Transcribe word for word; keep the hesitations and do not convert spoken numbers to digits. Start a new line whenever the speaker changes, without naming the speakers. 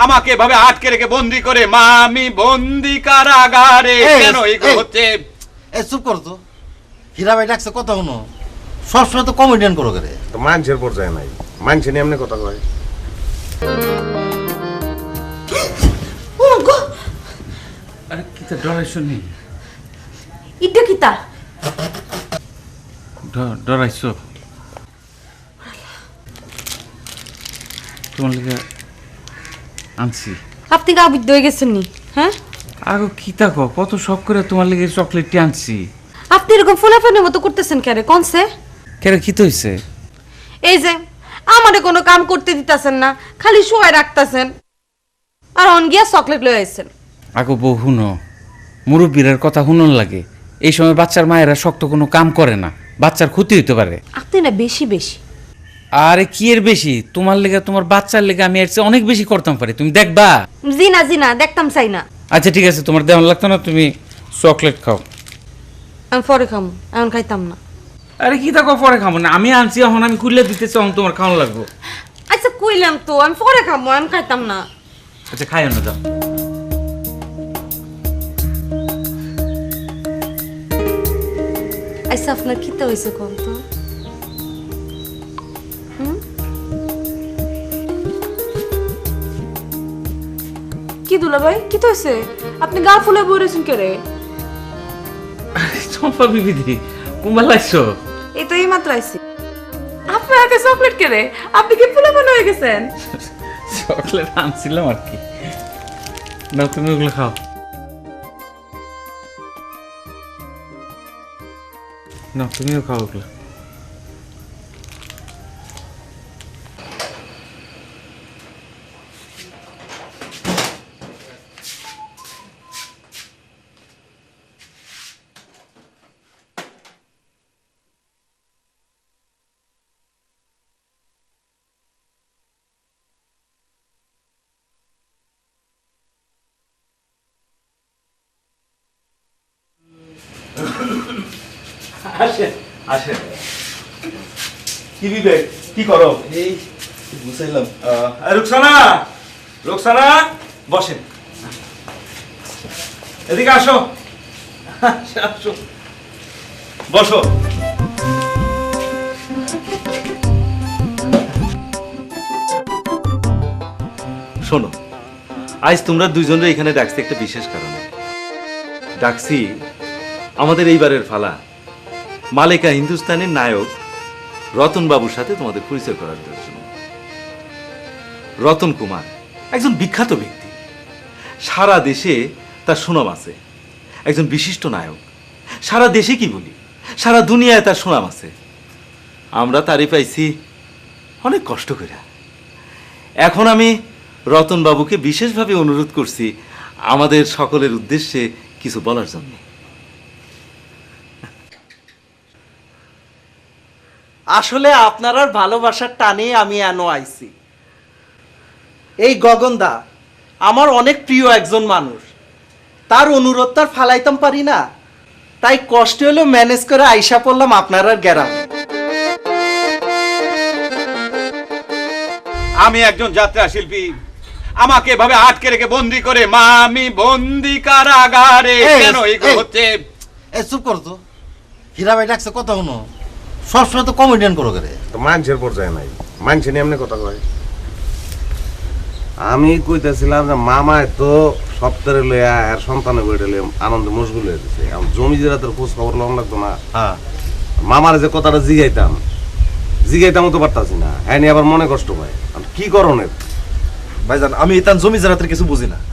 আমাকে এভাবে আটকে রেখে বন্দি করে, মা আমি বন্দি কারাগারে। কেন এগুলো হচ্ছে?
এ চুপ কর তো, হীরা ভাই ডাকছে কথা শুনো, সবসময় তো কমেডিয়ান করো করে।
তো মানুষের পর্যায়ে নাই, মানুষে নিয়ে এমনি কথা কয়।
আরে কিতা ডরাইছো নি?
ইটা কিতা?
ডরাইছো? তোমার লিগে আনছি।
আপনি গা বুদ্ধ হয়ে গেছেন নি? হ্যাঁ,
আগো কিতা কো, কত শখ করে তোমার লিগে চকলেটটি আনছি।
আপনি এরকম ফোলাফানের মতো করতেছেন কেন? কনসে
কেন কি হইছে?
এই যে আমারে কোনো কাম করতে দিতাছেন না, খালি শুয়ে রাখতাছেন, আর অন গিয়া চকলেট লয়ে আইছেন।
আগো বউ হুনো, মুরব্বীর কথা হুনন লাগে। এই সময় বাচ্চার মায়েরা শক্ত কোনো কাম করে না, বাচ্চার ক্ষতি হইতে পারে।
আপনি না বেশি বেশি।
আরে কি এর বেশি? তোমার লেগে, তোমার বাচ্চার লেগে আমি এর চেয়ে অনেক বেশি করতাম পারি, তুমি দেখবা।
জি না জি না, দেখতাম চাই না।
আচ্ছা ঠিক আছে, তোমার দেওয়ান লাগতো না, তুমি চকলেট খাও।
আমি পরে খামো, এখন খাইতাম না।
আরে কি দেখো পরে খাবো না, আমি আনছি এখন, আমি খুললে দিতে চাও, তোমার খাওয়ানো লাগবো।
আচ্ছা কইলাম তো আমি পরে খাবো, আমি খাইতাম না।
আচ্ছা খাই না, যাও।
আচ্ছা আপনার খিতা হয়েছে কোন তো?
কি দুলা ভাই, কি তো হয়েছে? আপনি গা ফুলে বলেছেন কে রে?
চম্পা বিবিধি কুম্বাল আসছো?
এই তো এই মাত্র আইছি। আপনার হাতে চকলেট কে রে? আপনি কি ফুলে মনে হয়ে গেছেন?
চকলেট আনছিলাম আর কি। না তুমি ওগুলো খাও। না তুমিও খাও ওগুলো।
আসেন আসেন। কি বিবেক, কি করো?
এই বুঝাইলাম।
রুকসানা, রুকসানা বসেন, এদিকে আসো, আসো বসো। শোনো, আজ তোমরা দুইজনের এখানে ডাকছি একটা বিশেষ কারণে। ডাকছি আমাদের এইবারের ফালা মালিকা হিন্দুস্তানের নায়ক রতন বাবুর সাথে তোমাদের পরিচয় করার জন্য। রতন কুমার একজন বিখ্যাত ব্যক্তি, সারা দেশে তার সুনাম আছে, একজন বিশিষ্ট নায়ক। সারা দেশে কি বলি, সারা দুনিয়ায় তার সুনাম আছে। আমরা তারই পাইছি অনেক কষ্ট করে। এখন আমি রতন বাবুকে বিশেষভাবে অনুরোধ করছি আমাদের সকলের উদ্দেশ্যে কিছু বলার জন্য।
আসলে আপনার আর ভালোবাসার টানে আমি এনো আইছি। এই গগনদা আমার অনেক প্রিয় একজন মানুষ, তার অনুরোধ তার ফালাইতাম পারি না, তাই কষ্ট হলেও ম্যানেজ করে আইসা পড়লাম আপনার আর গ্রামে।
আমি একজন যাত্রা শিল্পী, আমাকে এভাবে আটকে রেখে বন্দি করে, মা আমি বন্দি কারাগারে। কেন এগুলো হচ্ছে?
এ চুপ কর তো, হীরা ভাই ডাকছে কথা শুনো, সবসময় তো কমেডিয়ান করো করে।
তো মানুষের পর্যায়ে নাই, মানুষে নিয়ে এমনি কথা কয়। আমি কইতেছিলাম যে মামায় তো সপ্তাহে লইয়া আর সন্তানের বইটা লইয়া আনন্দে মশগুল হয়ে গেছে। আমার জমি জেরাতের খোঁজ খবর লম লাগতো না।
হ্যাঁ,
মামার যে কথাটা জিগাইতাম জিগাইতামও তো পারতাছি না, হ্যাঁ আবার মনে কষ্ট পায়। কি করণের?
ভাইজান আমি তার জমি জারাতের কিছু বুঝি না।